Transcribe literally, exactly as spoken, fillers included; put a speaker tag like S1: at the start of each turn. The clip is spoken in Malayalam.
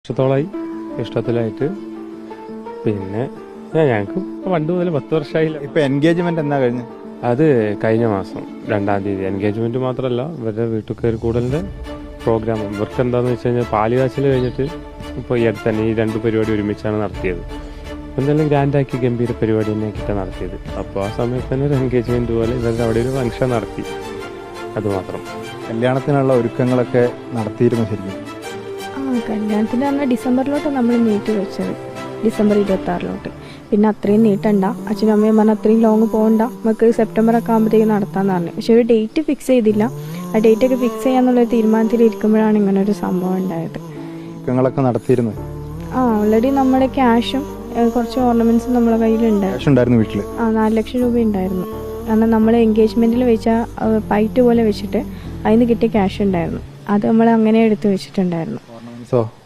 S1: വർഷത്തോളമായി ഇഷ്ടത്തിലായിട്ട്. പിന്നെ ഞങ്ങൾക്ക് പണ്ട് മുതൽ പത്ത് വർഷമായില്ല.
S2: ഇപ്പൊ എൻഗേജ്മെന്റ് എന്നാ കഴിഞ്ഞ്?
S1: അത് കഴിഞ്ഞ മാസം രണ്ടാം തീയതി. എൻഗേജ്മെന്റ് മാത്രമല്ല, ഇവരുടെ വീട്ടിൽ കയറി കൂടലിന്റെ പ്രോഗ്രാം. ഇവർക്ക് എന്താണെന്ന് വെച്ച് കഴിഞ്ഞാൽ പാലുകാച്ചിൽ കഴിഞ്ഞിട്ട് ഇപ്പോൾ ഈ അടുത്ത് തന്നെ ഈ രണ്ട് പരിപാടി ഒരുമിച്ചാണ് നടത്തിയത്. എന്തായാലും ഗ്രാൻഡാക്കി ഗംഭീര പരിപാടി തന്നെയാക്കിയിട്ടാണ് നടത്തിയത്. അപ്പോൾ ആ സമയത്ത് തന്നെ ഒരു എൻഗേജ്മെന്റ് പോലെ ഇവരുടെ അവിടെ ഒരു ഫംഗ്ഷൻ നടത്തി. അതുമാത്രം.
S2: കല്യാണത്തിനുള്ള ഒരുക്കങ്ങളൊക്കെ നടത്തിയിരുന്നു ശരിക്കും?
S3: ആ കല്യാണത്തിന് പറഞ്ഞാൽ ഡിസംബറിലോട്ട് നമ്മൾ നീട്ടി വെച്ചത്, ഡിസംബർ ഇരുപത്തി ആറിലോട്ട്. പിന്നെ അത്രയും നീട്ടണ്ട, അച്ഛനും അമ്മയും പറഞ്ഞാൽ അത്രയും ലോങ് പോകണ്ട, നമുക്ക് സെപ്റ്റംബർ ഒക്കെ ആകുമ്പോഴത്തേക്ക് നടത്താമെന്ന് പറഞ്ഞു. പക്ഷെ ഒരു ഡേറ്റ് ഫിക്സ് ചെയ്തില്ല. ആ ഡേറ്റ് ഒക്കെ ഫിക്സ് ചെയ്യാന്നുള്ളൊരു തീരുമാനത്തിൽ ഇരിക്കുമ്പോഴാണ് ഇങ്ങനെ ഒരു സംഭവം ഉണ്ടായത്.
S2: ഒരുക്കങ്ങളൊക്കെ നടത്തിയിരുന്നു?
S3: ആ ഓൾറെഡി നമ്മുടെ ക്യാഷും കുറച്ച് ഓർണമെന്റ്സും നമ്മളെ കയ്യിലുണ്ടായിരുന്നു.
S2: വീട്ടിൽ
S3: ആ നാല് ലക്ഷം രൂപ ഉണ്ടായിരുന്നു. കാരണം നമ്മൾ എൻഗേജ്മെന്റിൽ വെച്ച പൈറ്റ് പോലെ വെച്ചിട്ട് അതിന് കിട്ടിയ ക്യാഷ് ഉണ്ടായിരുന്നു. അത് നമ്മൾ അങ്ങനെ എടുത്ത് വെച്ചിട്ടുണ്ടായിരുന്നു.
S2: ഓർണമെന്റ്സോ